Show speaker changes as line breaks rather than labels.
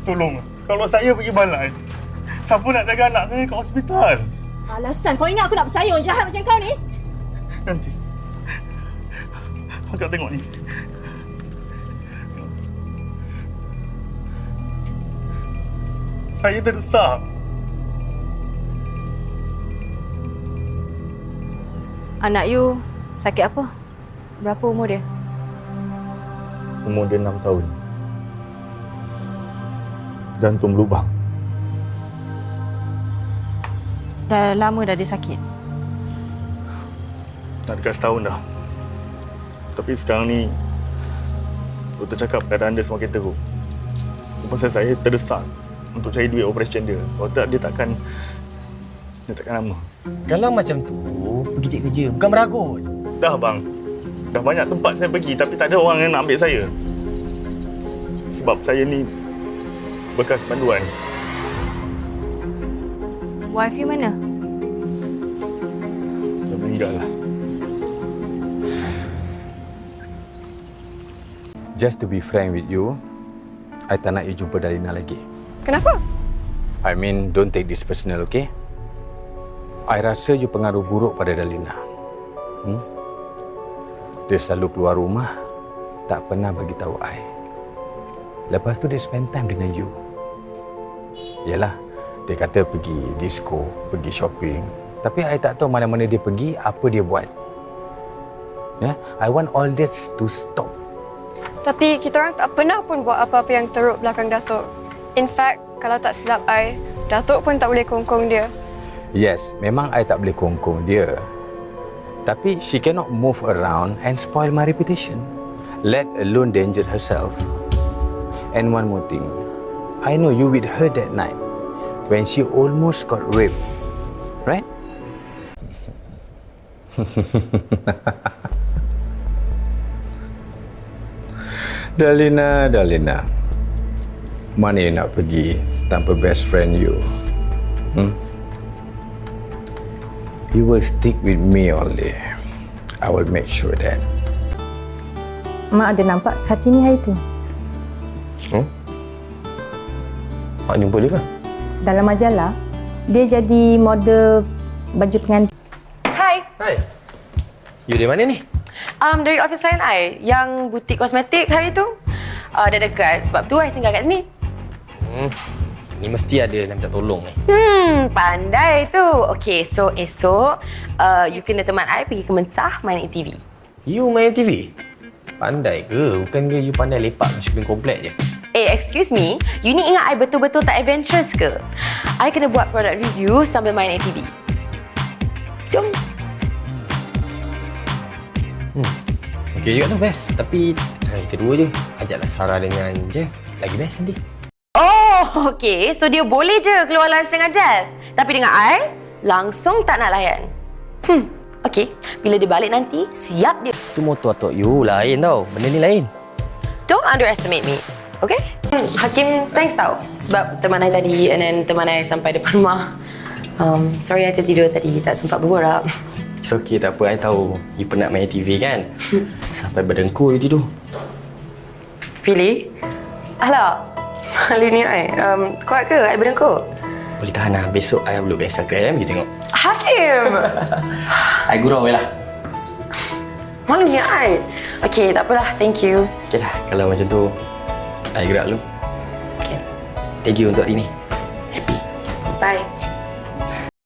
Tolong, kalau saya pergi balai, siapa nak jaga anak saya kat hospital?
Alasan kau ingat aku nak percaya orang jahat macam kau ni?
Nanti. Akak tengok ni. Saya terdesak.
Anak you sakit apa? Berapa umur dia?
Umur dia 6 tahun. Jantung berlubang.
Dah lama dah dia sakit?
Nak dekat setahun dah. Tapi sekarang ni, doktor cakap keadaan dia semakin teruk. Pasal saya terdesak untuk cari duit operation dia. Kalau tak, dia takkan lama.
Kalau macam tu, pergi cek kerja, bukan meragut.
Dah bang. Dah banyak tempat saya pergi tapi tak ada orang yang nak ambil saya. Sebab saya ni bekas panduan.
Wife you mana?
Dah meninggal lah.
Just to be frank with you, I tak nak you jumpa Dalina lagi.
Kenapa?
I mean, don't take this personal, okay? I rasa you pengaruh buruk pada Dalina. Dia selalu keluar rumah, tak pernah bagi tahu I. Lepas tu dia spend time dengan you. Yalah, dia kata pergi disco, pergi shopping. Tapi I tak tahu mana-mana dia pergi, apa dia buat. Yeah? I want all this to stop.
Tapi kita orang tak pernah pun buat apa-apa yang teruk belakang Datuk. In fact, kalau tak silap I, Datuk pun tak boleh kongkong dia.
Yes, memang I tak boleh kongkong dia. Tapi she cannot move around and spoil my reputation. Let alone danger herself. And one more thing. I know you with her that night when she almost got raped. Right? Dalina, Dalina. Mana you nak pergi tanpa best friend you? You will stick with me only. I will make sure that.
Mak ada nampak Kartini hari tu.
Mak jumpa dia ke?
Dalam majalah, dia jadi model baju pengantin.
Hai,
Hai. You dari mana ni?
dari office klien I yang butik kosmetik hari tu. Dah dekat, sebab tu I singgah kat sini.
Ni mesti ada nak minta tolong ni.
Pandai tu. Okay, so esok you kena teman I pergi ke Mensah main ATV.
You main TV? Pandai ke? Bukan ke you pandai lepak di shopping komplek je?
Excuse me, you ni ingat I betul-betul tak adventurous ke? I kena buat product review sambil main ATV. Jom.
Okey juga tu, best. Tapi kita dua je. Ajaklah Sarah dengan Jeff. Lagi best nanti.
Oh, okay. So dia boleh je keluar lunch dengan Jeff. Tapi dengan I, langsung tak nak layan. Okay. Bila dia balik nanti, siap dia.
Tu motor atok you lain tau. Benda ni lain.
Don't underestimate me. Okay? Hakim, thanks tau. Sebab teman I tadi and then teman I sampai depan rumah. Sorry, I tertidur tadi. Tak sempat berborak.
It's okay, tak apa. I tahu you penat main TV kan? Sampai berdengkur you tidur.
Really? Alah, hari ni I, kuat ke I berdengkur?
Boleh tahan lah. Besok I upload kat Instagram, you tengok.
Hakim!
I gurau je lah.
Malunya I. Okay, tak apalah. Thank you.
Okay lah, kalau macam tu, I gerak dulu.
Okay.
Thank you untuk hari ni. Happy.
Bye.